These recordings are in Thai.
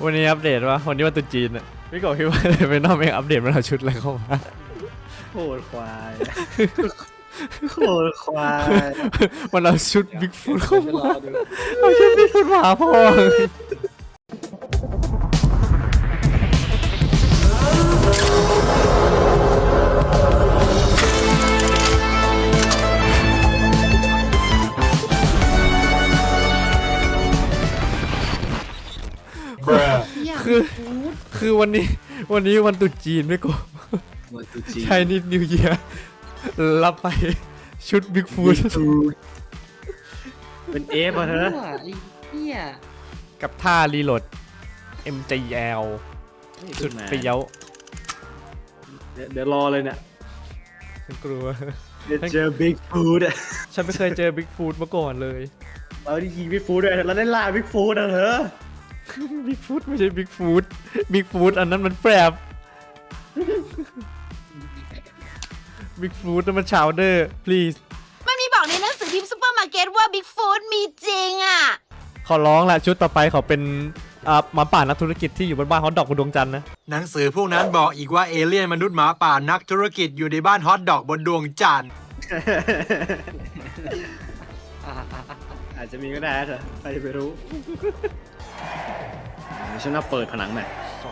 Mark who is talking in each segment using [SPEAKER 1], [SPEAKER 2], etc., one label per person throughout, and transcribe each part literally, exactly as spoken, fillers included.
[SPEAKER 1] วันนี้อัปเดตวะวันนี้วันตรุษจีนอะพี่กบคิดว่าเป็นนอกเองอัปเดตมันเอาชุดอะไรเข้ามา
[SPEAKER 2] โคตรควายโคตรควาย
[SPEAKER 1] มันเอาชุดบิ๊กฟุตเข้ามาเอาชุดบิ๊กฟุตมาพ่อคือคือวันนี้วันนี้วันตรุษจีนไม่กบใช่นิดนิวเยียร์รับไปชุดบิ๊กฟูด
[SPEAKER 2] เป็นเอฟอ่ะเธอ
[SPEAKER 1] กับท่ารีโหลด เอ็ม จี แอล สุดเปรี้ยว
[SPEAKER 2] เดี๋ยวรอเลยเนี่ย
[SPEAKER 1] ฉันกลัว
[SPEAKER 2] เจอบิ๊กฟูดอ่ะ
[SPEAKER 1] ฉันไม่เคยเจอบิ๊กฟูดมาก่อนเลย
[SPEAKER 2] เราได้ยิงบิ๊กฟูดด้วยเราได้ล่าบิ๊กฟูดอ่ะเธอ
[SPEAKER 1] บิ๊กฟูดไม่ใช่บิ๊กฟูดบิ๊กฟูดอันนั้นมันแฟบบิ๊กฟูดนั่นมันชาวเดอร์ please
[SPEAKER 3] มันมีบอกในหนังสือพิมพ์ซูเปอร์มาร์เก็ตว่าบิ๊กฟูดมีจริงอ่ะ
[SPEAKER 1] ขอร้องละชุดต่อไปเขาเป็นอ่าหมาป่านักธุรกิจที่อยู่บนบ้านฮอตดอกบนดวงจันทร์นะ
[SPEAKER 4] หนังสือพวกนั้นบอกอีกว่าเอเลี่ยนมนุษย์หมาป่านักธุรกิจอยู่ในบ้านฮอตดอกบนดวงจันทร์
[SPEAKER 2] อาจจะมีก็ได้เถอะใครจะไปรู้ฉันน่าเปิดผนังหน่อย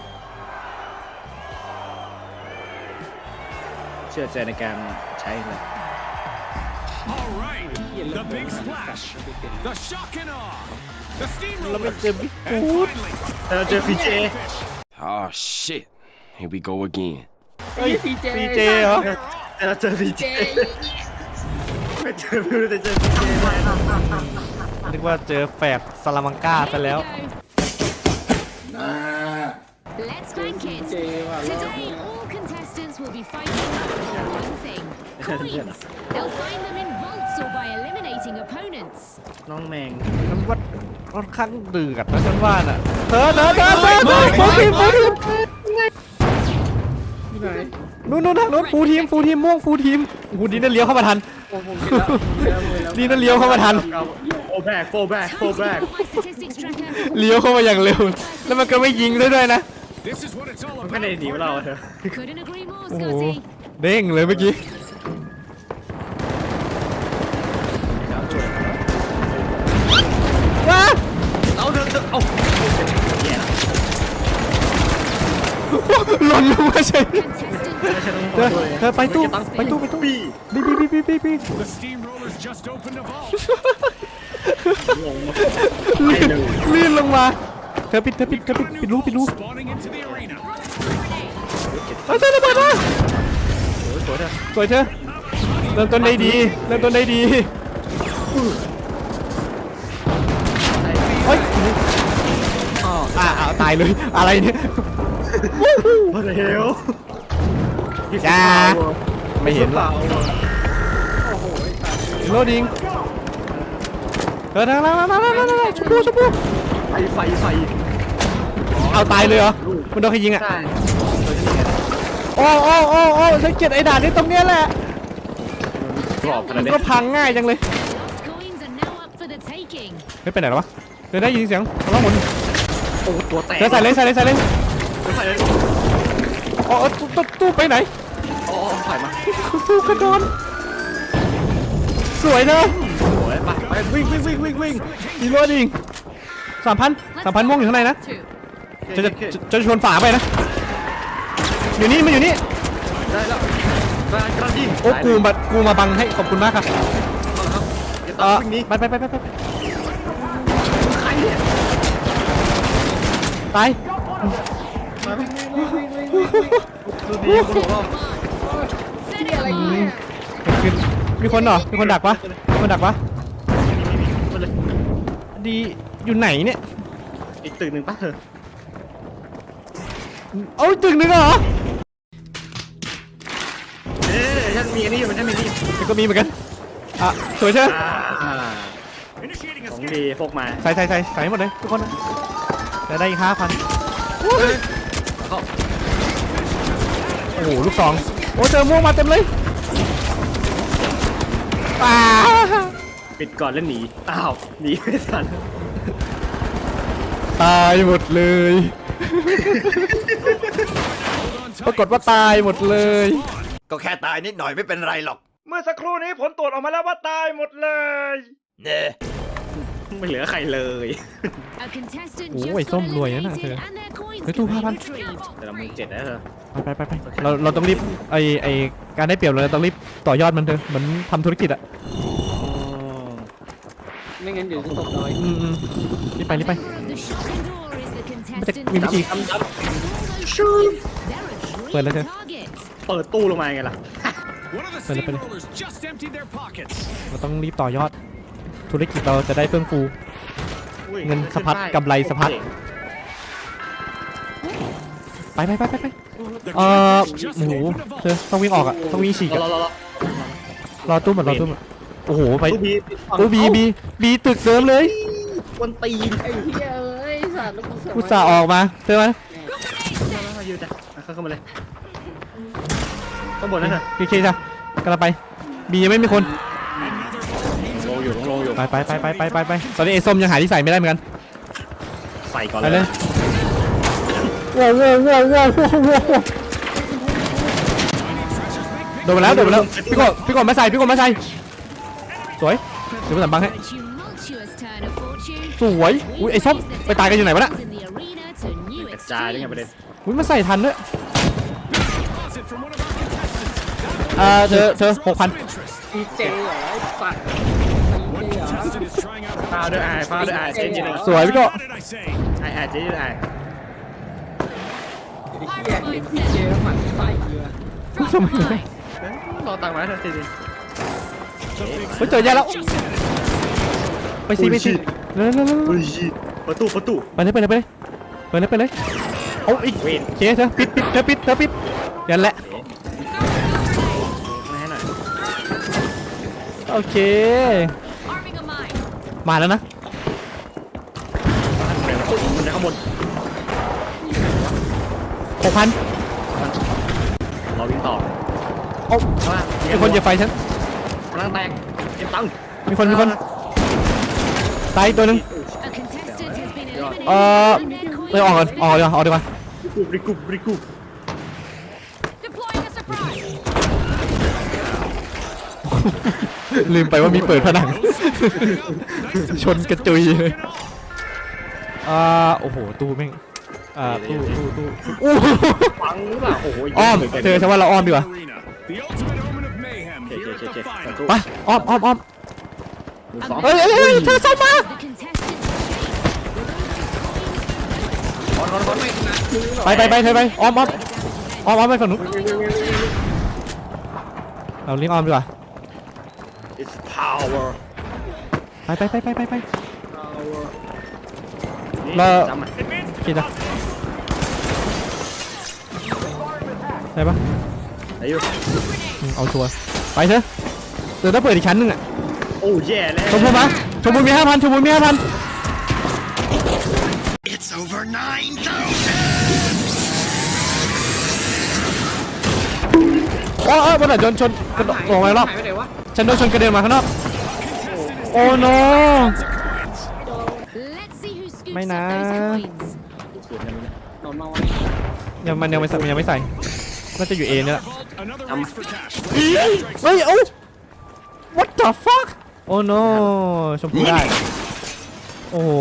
[SPEAKER 2] เชื่อใจในการใช้เลย
[SPEAKER 1] เราไม่เจอบิ๊กฟูด
[SPEAKER 2] เราเจอฟีเจ
[SPEAKER 5] Oh shit here we go again
[SPEAKER 1] เฮ้ยฟีเจเหรอ
[SPEAKER 2] เราเจอฟีเจไม่เจอไม่รู้แต่เจอฟีเจ
[SPEAKER 1] นึกว่าเจอแฝดซาลามังกาซะแล้ว
[SPEAKER 6] Let's crank it. Today, all contestants will be fighting for one thing: coins. They'll find them in vaults or by eliminating opponents.
[SPEAKER 2] น้องแมง
[SPEAKER 1] ฉันว่าค่อนข้างดื้อกันนะฉันว่าน่ะเธอเธอเธอเธอเธอฟูทีมฟูทีมนู่นนู่นทางนู้นฟูทีมฟูทีมม่วงฟูทีมโอ้โหดีนั่นเลี้ยวเข้ามาทันดีนั่นเลี้ยวเข้ามาทัน
[SPEAKER 2] โฟแบกโฟแบกโฟแบก
[SPEAKER 1] เลี้ยวเข้ามาอย่างเร็วแล้วมันก็ไม่ยิงด้วยด้วยนะ
[SPEAKER 2] มันไม่ได้หนีเราเถอะ
[SPEAKER 1] โอ้โหเด้งเลยเมื่อกี้ว้า
[SPEAKER 2] เอาเถอะเอา
[SPEAKER 1] หล่นลงมาเฉยเธอเธอไปตู้ไปตู้ไปตู้บีบีบีบีบีบีลื่นลงมาเธอปิดเธอปิดเธอปิดปิดรูปิดรูเธอเธอระเบิดมาสวยเธอเริ่มต้นได้ดีเริ่มต้นได้ดีเฮ้ยอ๋ออ่าตายเลยอะไรเนี่ย
[SPEAKER 2] มาเร็ว
[SPEAKER 1] จ้าไม่เห็นหรอโลดิงเออนั่งนั่งนั่งนั่งนั่งนั่งชุบชุบ
[SPEAKER 2] ไฟไฟไฟ
[SPEAKER 1] เอาตายเลยเหรอมันโดนใครยิงอ่ะโอ้โอ้โอ้โอ้ฉันเกลียดไอ้ด่านนี้ตรงเนี้ยแหละมันก็พังง่ายจังเลยไม่ไปไหนหรอวะเดี๋ยวได้ยินเสียงร้องหมุน
[SPEAKER 2] โอ้ตัวแตก
[SPEAKER 1] เดี๋ยวใส่เลยใส่เลยใส่เลยอ๋อตู้ตู้ไปไหน
[SPEAKER 2] อ๋อถ่ายมา
[SPEAKER 1] ตู้กระโดดสวยนะ
[SPEAKER 2] สวยไปไปวิ่งวิ่งวิ่งวิ่งวิ่ง
[SPEAKER 1] อีโรดิงสามพันสามพันม่วงอยู่ข้างในนะจะจะจะชวนฝาไปนะอยู่นี่มันอยู่นี่
[SPEAKER 2] ได้แล้วกระดิ่ง
[SPEAKER 1] โอ้กูมากูมาบังให้ขอบคุณมากครับเออไปไปไปไปไป
[SPEAKER 2] ใครเนี่ย
[SPEAKER 1] ตาย
[SPEAKER 2] ดูดีคุณบอก
[SPEAKER 1] มีคนเหรอมีคนดักปะมีคนดักปะดีอยู่ไหนเนี่ย
[SPEAKER 2] อีกตึกหนึ่งปะเธอ
[SPEAKER 1] เอาตึกหนึ่งเหรอ
[SPEAKER 2] เอ๊ะฉันมีอันนี้อยู่มันฉันมีนี่
[SPEAKER 1] มันก็มีเหมือนกันอ่ะสวยเชียว
[SPEAKER 2] ของดีพกมา
[SPEAKER 1] ใส่ใส่ใส่ใส่หมดเลยทุกคนจะได้อีกห้าพันโอ้โหลูกสองโอ้เจอม่วงมาเต็มเลยป้า
[SPEAKER 2] ปิดก่อนแล้วหนีอ้าวหนีไม่ทัน
[SPEAKER 1] ตายหมดเลย ปรากฏว่าตายหมดเลย
[SPEAKER 2] ก็แค่ตายนิดหน่อยไม่เป็นไรหรอก เมื่อสักครู่นี้ผลตรวจออกมาแล้วว่าตายหมดเลยเน่ไม่เหลือใครเลย
[SPEAKER 6] A contestant
[SPEAKER 1] โอ้
[SPEAKER 6] just
[SPEAKER 1] ย
[SPEAKER 6] got
[SPEAKER 1] ส้มรวยนะน่ะเธอ
[SPEAKER 6] eliminated and their coins
[SPEAKER 1] เฮ้ยตู้
[SPEAKER 6] can
[SPEAKER 1] ห้า
[SPEAKER 6] be
[SPEAKER 1] พัน
[SPEAKER 6] retrieved.
[SPEAKER 2] แต่เรามือเจ็ดนะเธอ
[SPEAKER 1] ไปไปไปไปเราเราต้องรีบไอไอการได้เปรียบเราต้องรีบต่อยอดมันเถอะเหมือนทำธุรกิจอะ
[SPEAKER 7] ไม่งั้นเดี๋ยวจะตกดอย
[SPEAKER 1] อืมอืมรีบไปรีบไป
[SPEAKER 6] Member of the shopping door is the
[SPEAKER 1] มันจะ
[SPEAKER 6] contestant
[SPEAKER 1] มีวิธี
[SPEAKER 6] with all those coins. They're a
[SPEAKER 1] Well,
[SPEAKER 6] dream
[SPEAKER 1] okay.
[SPEAKER 6] target.
[SPEAKER 2] เปิดตู้ลงมาไงล่ะ
[SPEAKER 8] One of the
[SPEAKER 1] Pwede, pwede.
[SPEAKER 8] steamrollers just emptied their pockets.
[SPEAKER 1] เราต้องรีบต่อยอด ธุรกิจเราจะได้เฟื่องฟู เงินสะพัดกำไรสะพัด ไปไปไปไปไป
[SPEAKER 8] The
[SPEAKER 1] เอ่อ
[SPEAKER 8] criminals just
[SPEAKER 1] โอ้โห
[SPEAKER 8] opened a
[SPEAKER 1] เธอ
[SPEAKER 8] vault.
[SPEAKER 1] ต้องวิ่งออกอะต้องวิ่งฉีก
[SPEAKER 2] รอ
[SPEAKER 1] อะ
[SPEAKER 2] รอรอ
[SPEAKER 1] รอตู้หมดรอตู้หมดโอ้โหไป
[SPEAKER 2] ตู้บี
[SPEAKER 1] ตู้บีบีบีตึกเดิมเลย
[SPEAKER 2] คนตีน
[SPEAKER 7] ไอ้เหี้ยเอ้ยสัตว์แล้วกูเสือก
[SPEAKER 1] อุตส่าห์ออกมาเธอไหม
[SPEAKER 2] มายืนจ้ะเข้าเข้ามาเลยข้างบนนั่นน่ะ
[SPEAKER 1] พีเคจ้ะกำลังไปบียังไม่มีคน
[SPEAKER 2] ลงอยู่ลงอยู่
[SPEAKER 1] ไปไปไปไปไปไปไปตอนนี้ไอ้ส้มยังหาที่ใส่ไม่ได้เหมือนกัน
[SPEAKER 2] ใส่ก่อน
[SPEAKER 1] ไป
[SPEAKER 2] เล
[SPEAKER 1] เลย ยว้าวว้าวว้าวว้าวว้าวโดนไปแล้วโดนไปแล้วพี่กบพี่กบไม่ใส่พี่กบไม่ใส่สวยเดี๋ยวไปสั่งบังให้
[SPEAKER 6] A tumultuous turn of fortune.
[SPEAKER 1] สวยอุ้ยไอ้ส้มไปตายกันอยู่ไหนวะน่ะ
[SPEAKER 6] In the arena to new
[SPEAKER 2] กระจายได้ไงประเด็น
[SPEAKER 6] extremes.
[SPEAKER 1] อุ้ยมาใส่ทันด้วย
[SPEAKER 8] Deposit from one of our contestants.
[SPEAKER 1] อ่าเธอเธอหกพัน
[SPEAKER 8] Interest.
[SPEAKER 7] ดีเจเหรอไอ้สัตว์
[SPEAKER 8] One contestant is trying out
[SPEAKER 2] ฟาวด้วยไอ้ฟาวด้วยไอ้เจ๊จริง
[SPEAKER 1] สวยพี่กบ
[SPEAKER 8] What did I say?
[SPEAKER 2] ไอ้ไอ้เจ๊ไอ้
[SPEAKER 7] ไอ้เหี้ยเห็นดีเจแล้วหมันไส้เยอะ
[SPEAKER 1] ทำไม
[SPEAKER 2] รอตังค์มาเถอะจริง
[SPEAKER 1] เฮ้ยเจอแย่แล้วไปสิไปสิเร็วเร็วเร็ว
[SPEAKER 2] ๆ
[SPEAKER 1] เร็ว
[SPEAKER 2] อุ้ยประตูประตู
[SPEAKER 1] ไปเลยไปเลยไปเลยไปเลยไปเลยเอาอีก
[SPEAKER 2] เวน
[SPEAKER 1] เคเธอปิดปิดเธอปิดเธอปิดยันแหละ
[SPEAKER 2] มาให้หน่อย
[SPEAKER 1] โอเค
[SPEAKER 6] Arming a mine.
[SPEAKER 1] มาแล้วนะ
[SPEAKER 2] มันจะข้างบน
[SPEAKER 1] หกพัน
[SPEAKER 2] เราวิ่งต่อ
[SPEAKER 1] โอ้
[SPEAKER 2] ข้างล่าง
[SPEAKER 1] มีคนเหยียบไฟฉัน
[SPEAKER 2] กำลังแตกเก็บตังค์
[SPEAKER 1] มีคนมีคนตายอีกตัวหนึง
[SPEAKER 6] A contestant has been eliminated
[SPEAKER 1] เอ่อ
[SPEAKER 6] and their coins
[SPEAKER 1] ไปออกก่อนออกดีกว่าออกดีกว่า
[SPEAKER 2] บริกุบริกุบ
[SPEAKER 6] deploying a surprise.
[SPEAKER 1] ลืมไปว่ามีเปิดผนัง ชนกระจุยเลยอ่าโอ้โหตู้แม่งอ่าตู้ตู้ตู้อู้
[SPEAKER 2] ฟังหรือเปล่าโอ้โห
[SPEAKER 1] อ้อมเธอฉันว่าเราอ้อมดีกว่า
[SPEAKER 8] Arena. The ultimate omen of mayhem
[SPEAKER 2] เจ๊
[SPEAKER 8] here
[SPEAKER 2] เจ๊
[SPEAKER 8] at
[SPEAKER 2] เจ๊
[SPEAKER 8] the
[SPEAKER 2] เจ๊
[SPEAKER 8] final.
[SPEAKER 1] ไปอ้อมอ้อมอ้อม
[SPEAKER 2] สอง
[SPEAKER 1] เฮ้ยเฮ้ยเฮ้ยเธอส่งมา
[SPEAKER 6] The contestant chase.
[SPEAKER 1] ไปไปไปเธอไปอ้อมอ้อมอ้อมอ้อมไปฝั่งนู้นเราเลี้ยงอ้อมดีกว่า
[SPEAKER 2] it's power
[SPEAKER 1] ไปไปไปไปไปไป
[SPEAKER 2] นี่
[SPEAKER 1] เรา
[SPEAKER 2] จำอ่ะ
[SPEAKER 1] คิดจ้ะได้ปะ
[SPEAKER 2] ไหนอยู่
[SPEAKER 1] อืมเอาชัวร์ไปเถอะเดี๋ยวต้องเปิดอีกชั้นหนึงอ่ะ
[SPEAKER 2] โอ้แย่แล้ว
[SPEAKER 1] ชมพูมาชมพูมีห้าพันชมพูมีห้าพัน
[SPEAKER 5] It's over nine thousand!
[SPEAKER 1] โอ้เออบนไหนโดนชนกระโดดลงไปรอบ
[SPEAKER 7] หายไปไหนวะ
[SPEAKER 1] ฉันโดนชนกระเด็นมาข้างนอกโอ้โน
[SPEAKER 6] Let's see who scoops
[SPEAKER 1] May
[SPEAKER 6] up
[SPEAKER 1] na.
[SPEAKER 6] those coins.
[SPEAKER 7] นอนมาวะ
[SPEAKER 1] ยังมันยังไม่ใส่มันยังไม่ใส่น่าจะอยู่เอเนี่ยแหละ
[SPEAKER 8] Another race for cash.
[SPEAKER 1] เฮ้ยเอ้า what the fuck โอ้ no ชมพูได้โอ้โห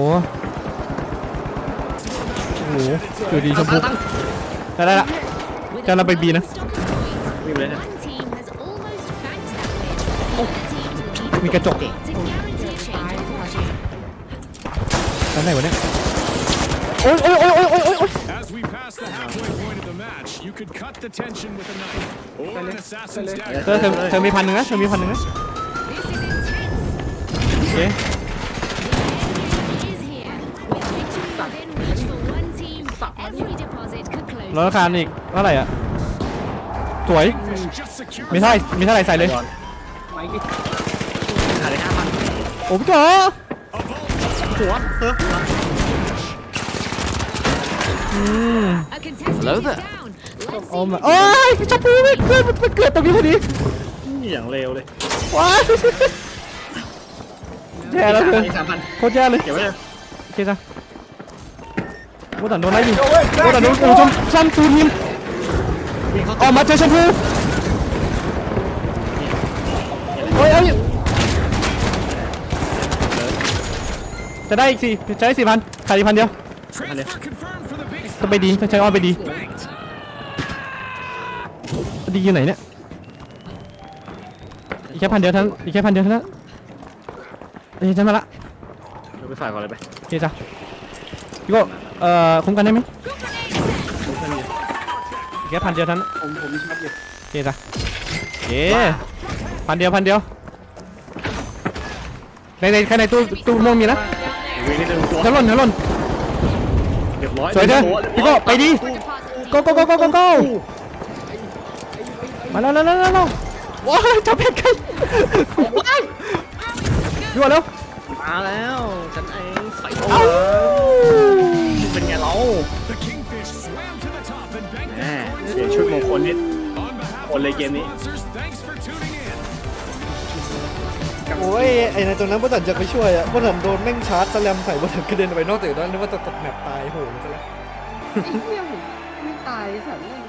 [SPEAKER 1] โอ้โหอยู่ดีชมพูได้ได้ละ
[SPEAKER 6] With
[SPEAKER 1] Cho
[SPEAKER 6] a
[SPEAKER 1] nó bay bi nè.
[SPEAKER 6] blast of coins,
[SPEAKER 2] วิ่งไปเลยนะ
[SPEAKER 6] one team has almost banked that win. The other team will need
[SPEAKER 1] มีกระจก
[SPEAKER 6] to guarantee a change of fortune.
[SPEAKER 1] ชั้นไหนวะเนี่ยโอ้ยโอ้ยโอ้ยโอ้ยโอ้ยโอ้ยโอ้ย
[SPEAKER 8] As we pass the halfway point of the match, you could cut the tension with a knife or an assassin's
[SPEAKER 1] เธอ
[SPEAKER 8] dagger.
[SPEAKER 1] เธอเธอมีพันหนึ่งนะเธอมีพันหนึ่งนะ
[SPEAKER 6] This is intense.
[SPEAKER 1] โอเค
[SPEAKER 6] Is here. With victory within reach for one team, every deposit could close.
[SPEAKER 1] แล้วราคาอีกเท่าไหร่อ่ะสวย
[SPEAKER 8] Just secure
[SPEAKER 1] มีเท่าไหร่มีเท่าไหร่ใส่เลย
[SPEAKER 7] ไม่กี่
[SPEAKER 2] หาได้ห้าพัน
[SPEAKER 1] โอ้พี่จ๋อ
[SPEAKER 2] หัวเฮ้ย
[SPEAKER 1] อืม
[SPEAKER 6] A contestant
[SPEAKER 5] Hello
[SPEAKER 6] is
[SPEAKER 5] there.
[SPEAKER 6] down. Let's
[SPEAKER 1] โอ้
[SPEAKER 6] see
[SPEAKER 1] มา
[SPEAKER 6] who
[SPEAKER 1] โอ้ยชมพูไม่เกิดมันเกิดตรงนี้พอดี
[SPEAKER 2] นี่อย่างเร็วเลย
[SPEAKER 1] ว้ายแย่แล้วเธอ
[SPEAKER 2] สามพัน
[SPEAKER 1] โคตรแย่เลย
[SPEAKER 2] เก็บไว้เลย
[SPEAKER 1] โอเคจ้ะโบตันโดนไล่ยิงโบตันโดนโอ้ชมซ้ำตูนยิงออกมาเจอชมพูโอ้ยเอ้ยจะได้อีกสี่จะได้สี่พันขายอีกพันเดียว
[SPEAKER 8] Transfer confirmed for the big
[SPEAKER 1] จะไปดีจะใช้อ้อมไปดี
[SPEAKER 8] banked.
[SPEAKER 1] ดีอยู่ไหนเนี่ยอีกแค่พันเดียวเท่านั้นอีกแค่พันเดียวเท่านั้นเอ้ยฉันมาละ
[SPEAKER 7] เราไปฝ่ายก่อนเลยไป
[SPEAKER 1] โอเคจ้ะพี่โก้เอ่อคุ้มกันได้ไหมอีกแค่พันเดียวเท่านั้น
[SPEAKER 7] ผมผมมีช็อตอยู่
[SPEAKER 1] โอเคจ้ะโอเคพันเดียวพันเดียวในในข้างในตู้ตู้ม่วงมีนะ
[SPEAKER 7] วิ่งนิดนึงตัว
[SPEAKER 1] จะหล่นจะหล่น
[SPEAKER 7] เรียบร้อย
[SPEAKER 1] สวยเด้อพี่โก้ไปดีโก้โก้โก้โก้โก้โก้มาแล้วแล้วแล้วแล้วว้าวจับเพชรกันยั่วแล้ว
[SPEAKER 7] มาแล้วฉันเองใส่
[SPEAKER 1] เอ้า
[SPEAKER 7] เป็นไงเรา
[SPEAKER 8] The Kingfish swam to the top and banked
[SPEAKER 7] แหม
[SPEAKER 8] their
[SPEAKER 7] เสียชุดมงคลนิด
[SPEAKER 8] On behalf
[SPEAKER 7] Only
[SPEAKER 8] of our
[SPEAKER 7] gameนี้
[SPEAKER 8] sponsors, thanks for tuning in.
[SPEAKER 1] โอ้ยไอ้ในตรงนั้นบอสันจะไปช่วยอ่ะบอสันโดนแม่งชาร์จสแลมใส่บอสันกระเด็นไปนอกจากนั้นนึกว่าจะตกแมปตายโหมันจะแล้ว
[SPEAKER 7] ไอ้เหี้ยผมไม่ตายสัตว์